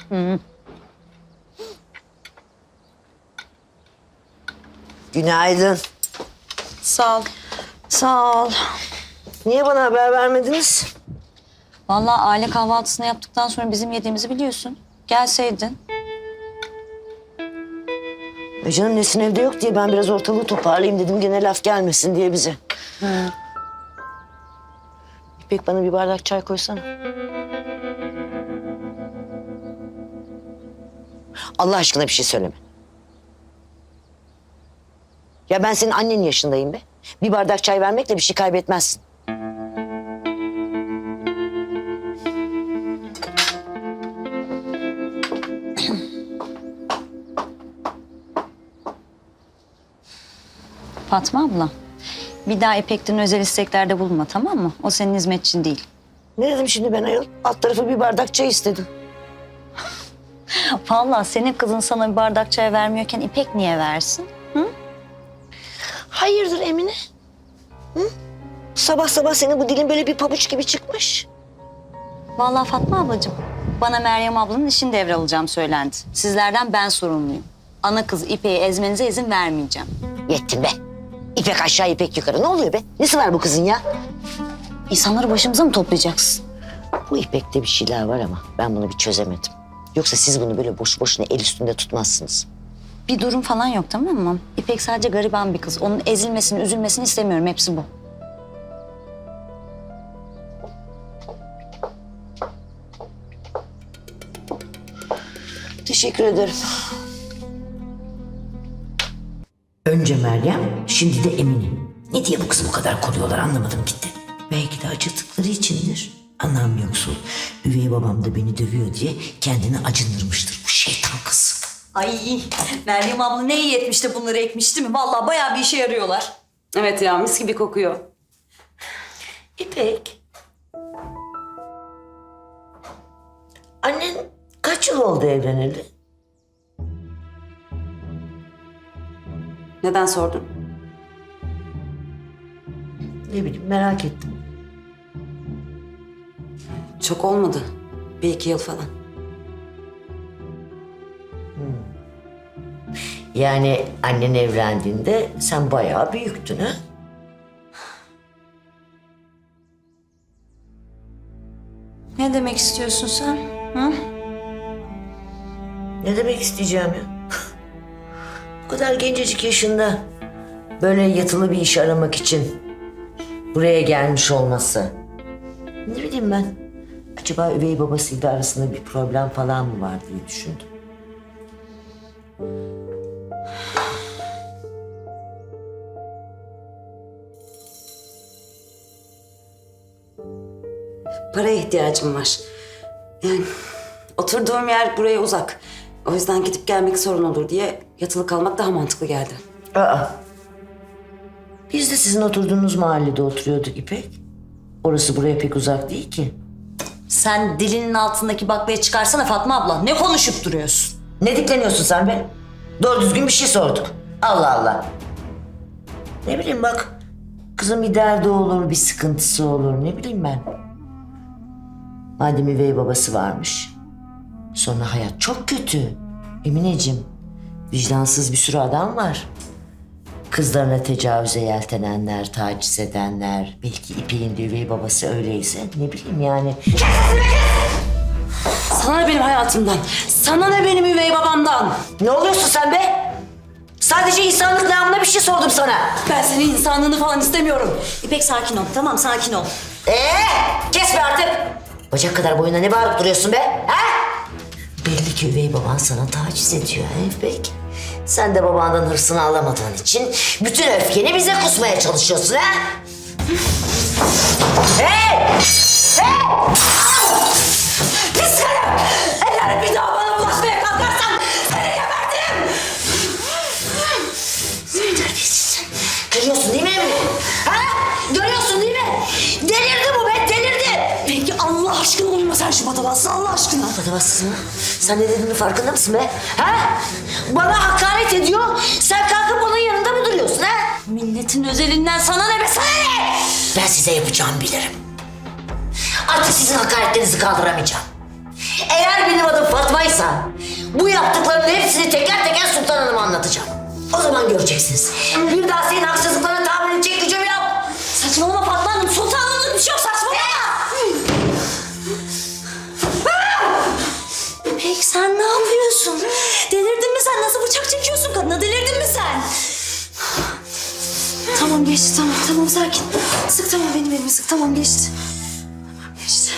Günaydın. Sağ ol. Sağ ol. Niye bana haber vermediniz? Vallahi aile kahvaltısını yaptıktan sonra bizim yediğimizi biliyorsun. Gelseydin. Canım Nesin evde yok diye ben biraz ortalığı toparlayayım dedim. Gene laf gelmesin diye bize. İpek bana bir bardak çay koysana. Allah aşkına bir şey söyleme. Ya ben senin annenin yaşındayım be. Bir bardak çay vermekle bir şey kaybetmezsin. Fatma abla, bir daha İpek'ten özel isteklerde bulunma, tamam mı? O senin hizmetçin değil. Ne dedim şimdi ben ayol? Alt tarafı bir bardak çay istedim. Vallahi senin kızın sana bir bardak çay vermiyorken İpek niye versin? Hayırdır Emine? Hı? Sabah sabah senin bu dilin böyle bir pabuç gibi çıkmış. Vallahi Fatma ablacığım, bana Meryem ablanın işini devralacağım söylendi. Sizlerden ben sorumluyum. Ana kız İpek'i ezmenize izin vermeyeceğim. Yettin be. İpek aşağı İpek yukarı. Ne oluyor be? Nesi var bu kızın ya? İnsanları başımıza mı toplayacaksın? Bu İpek'te bir şeyler var ama ben bunu bir çözemedim. Yoksa siz bunu böyle boş boşuna el üstünde tutmazsınız. Bir durum falan yok, tamam mı? İpek sadece gariban bir kız. Onun ezilmesini, üzülmesini istemiyorum. Hepsi bu. Teşekkür ederim. Önce Meryem, şimdi de Emine. Ne diye bu kızı bu kadar koruyorlar anlamadım gitti. Belki de acıttıkları içindir. Anam yoksul. Üvey babam da beni dövüyor diye kendini acındırmıştır bu şeytan kız. Ay Meryem abla ne iyi etmiş de bunları ekmiş değil mi? Vallahi bayağı bir işe yarıyorlar. Evet ya, mis gibi kokuyor. İpek. Annen kaç yıl oldu evleneli? Neden sordun? Ne bileyim merak ettim. Çok olmadı. 1-2 yıl falan. Yani annen evlendiğinde sen bayağı büyüktün ha? Ne demek istiyorsun sen? Hı? Ne demek isteyeceğim ya? Bu kadar gencecik yaşında böyle yatılı bir iş aramak için buraya gelmiş olması. Ne bileyim ben. Acaba üvey babasıyla arasında bir problem falan mı var diye düşündüm. Paraya ihtiyacım var. Yani oturduğum yer buraya uzak. O yüzden gidip gelmek sorun olur diye yatılı kalmak daha mantıklı geldi. Aa. Biz de sizin oturduğunuz mahallede oturuyorduk İpek. Orası buraya pek uzak değil ki. Sen dilinin altındaki baklayı çıkarsana Fatma abla. Ne konuşup duruyorsun? Ne dikleniyorsun sen be? Doğru düzgün bir şey sorduk. Allah Allah. Ne bileyim bak. Kızın bir derdi olur, bir sıkıntısı olur. Ne bileyim ben. Madem üvey babası varmış. Sonra hayat çok kötü. Emineciğim. Vicdansız bir sürü adam var. Kızlarına tecavüze yeltenenler, taciz edenler. Belki İpek'in de üvey babası öyleyse. Ne bileyim yani. Sana ne benim hayatımdan? Sana ne benim üvey babamdan? Ne oluyorsun sen be? Sadece insanlık namına bir şey sordum sana. Ben senin insanlığını falan istemiyorum. İpek sakin ol, tamam sakin ol. Kes be artık. Bacak kadar boyuna ne bağırıp duruyorsun be? Ha? Belli ki üvey baban sana taciz ediyor İpek. Sen de babandan hırsını alamadığın için bütün öfkeni bize kusmaya çalışıyorsun ha? Hey! Hey! Pis karı! Eğer bir daha bana bulaşmaya kalkarsan seni gebertirim! Sen terbiyesiz. Görüyorsun değil mi Emine? Ha? Görüyorsun değil mi? Delirdi bu be, delirdi! Peki Allah aşkına uyuma sen şu patavatsız Allah aşkına. Patavatsız mı? Sen ne dediğinin farkında mısın be? Ha? Bana hakaret ediyor, sen kalkıp onun yanında mı duruyorsun ha? Milletin özelinden sana ne be sana ne? Ben size yapacağımı bilirim. Artık sizin hakaretlerinizi kaldıramayacağım. Eğer benim adım Fatma Fatma'ysa bu yaptıklarının hepsini teker teker Sultan Hanım'a anlatacağım. O zaman göreceksiniz. Bir daha senin haksızlıklarına tahammül edecek gücüm yok. Saçmalama Fatma Hanım. Sultanlığımız bir şey yok, saçmalama. İpek sen ne yapıyorsun? Delirdin mi sen? Nasıl bıçak çekiyorsun kadına? Delirdin mi sen? Tamam geçti, tamam tamam sakin. Sık, tamam benim elimi sık, tamam geçti. Tamam geçti.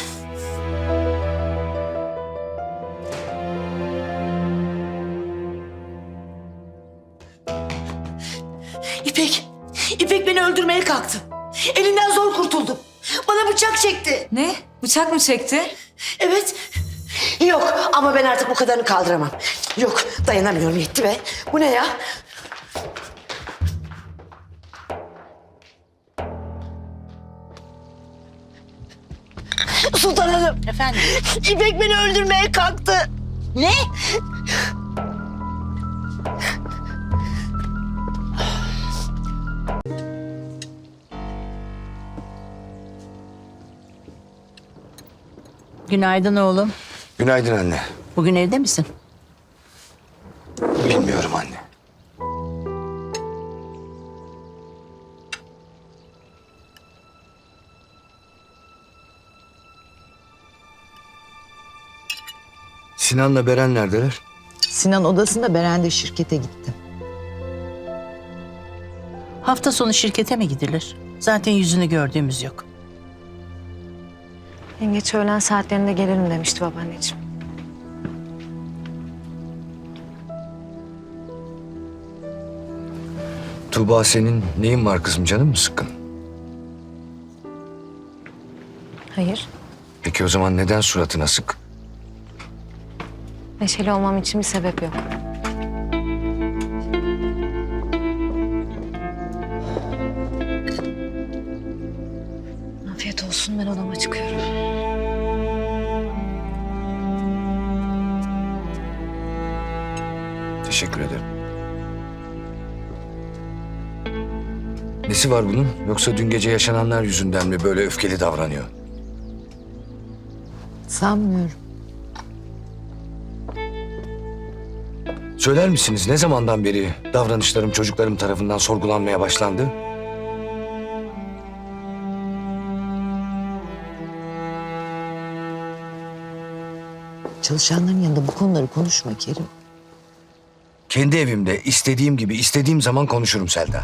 İpek beni öldürmeye kalktı. Elinden zor kurtuldum. Bana bıçak çekti. Ne? Bıçak mı çekti? Evet. Yok ama ben artık bu kadarını kaldıramam. Yok dayanamıyorum, yetti be. Bu ne ya? Sultan Hanım. Efendim? İpek beni öldürmeye kalktı. Ne? Günaydın oğlum. Günaydın anne. Bugün evde misin? Bilmiyorum anne. Sinan'la Beren neredeler? Sinan odasında, Beren de şirkete gitti. Hafta sonu şirkete mi gidilir? Zaten yüzünü gördüğümüz yok. Yengeç öğlen saatlerinde gelirim demişti babaanneciğim. Tuğba senin neyin var kızım, canın mı sıkkın? Hayır. Peki o zaman neden suratına sık? Neşeli olmam için bir sebep yok. Afiyet olsun, ben odama çıkıyorum. Teşekkür ederim. Nesi var bunun? Yoksa dün gece yaşananlar yüzünden mi böyle öfkeli davranıyor? Sanmıyorum. Söyler misiniz ne zamandan beri davranışlarım çocuklarım tarafından sorgulanmaya başlandı? Çalışanların yanında bu konuları konuşma Kerim. Kendi evimde istediğim gibi istediğim zaman konuşurum Selda.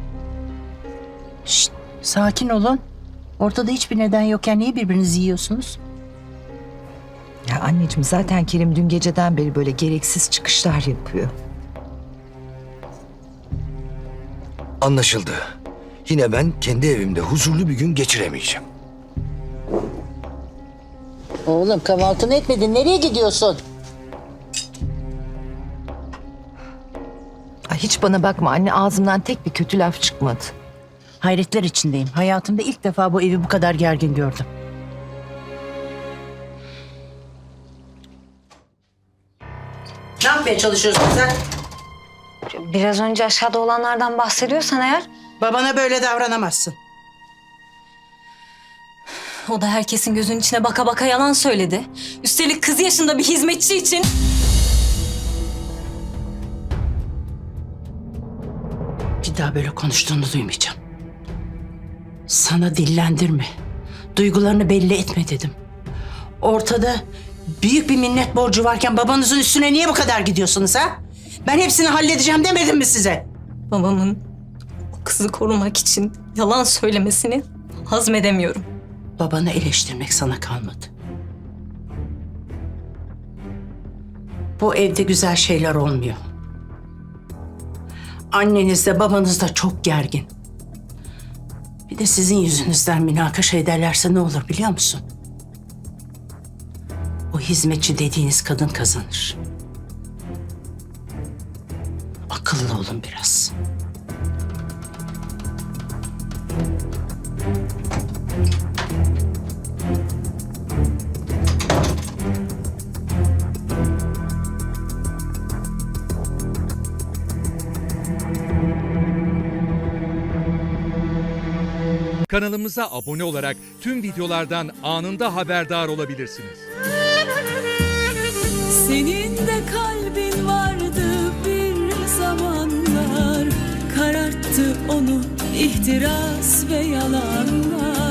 Şşt, sakin olun. Ortada hiçbir neden yokken niye birbirinizi yiyorsunuz? Ya anneciğim zaten Kerim dün geceden beri böyle gereksiz çıkışlar yapıyor. Anlaşıldı. Yine ben kendi evimde huzurlu bir gün geçiremeyeceğim. Oğlum kahvaltını etmedin. Nereye gidiyorsun? Ay hiç bana bakma anne, ağzımdan tek bir kötü laf çıkmadı. Hayretler içindeyim. Hayatımda ilk defa bu evi bu kadar gergin gördüm. Ne yapmaya çalışıyorsun sen? Biraz önce aşağıda olanlardan bahsediyorsan eğer... Babana böyle davranamazsın. O da herkesin gözünün içine baka baka yalan söyledi. Üstelik kız yaşında bir hizmetçi için. Bir daha böyle konuştuğunu duymayacağım. Sana dillendirme. Duygularını belli etme dedim. Ortada büyük bir minnet borcu varken babanızın üstüne niye bu kadar gidiyorsunuz ha? Ben hepsini halledeceğim demedim mi size? Babamın o kızı korumak için yalan söylemesini hazmedemiyorum. Babanı eleştirmek sana kalmadı. Bu evde güzel şeyler olmuyor. Anneniz de babanız da çok gergin. Bir de sizin yüzünüzden münakaşa ederlerse ne olur biliyor musun? O hizmetçi dediğiniz kadın kazanır. Akıllı olun biraz. Kanalımıza abone olarak tüm videolardan anında haberdar olabilirsiniz. Senin de kalbin vardı bir zamanlar, kararttı onu ihtiras ve yalanlar.